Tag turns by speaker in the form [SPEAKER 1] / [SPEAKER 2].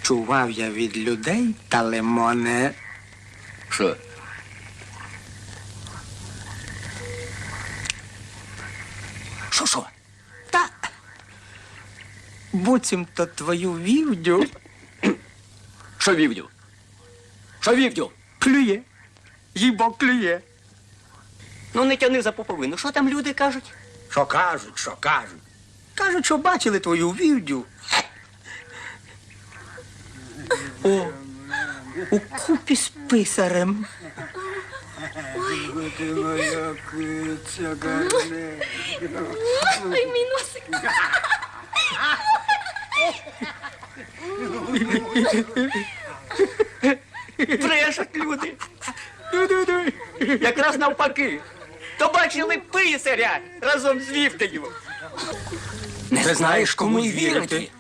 [SPEAKER 1] Чував я від людей, та лимоне.
[SPEAKER 2] Що? Що?
[SPEAKER 1] Та буцімто твою вівдю
[SPEAKER 2] Що вівдю? Що вівдю?
[SPEAKER 1] клює. Їбо клює.
[SPEAKER 2] Ну не тяни за поповину. Що там люди кажуть?
[SPEAKER 1] Що кажуть? Кажуть, що бачили твою вівдю. У купі з писарем.
[SPEAKER 3] Ой, мій носик.
[SPEAKER 2] Брешуть люди. Якраз навпаки. То бачили писаря разом з вівдею.
[SPEAKER 1] Не знаєш, кому й вірити.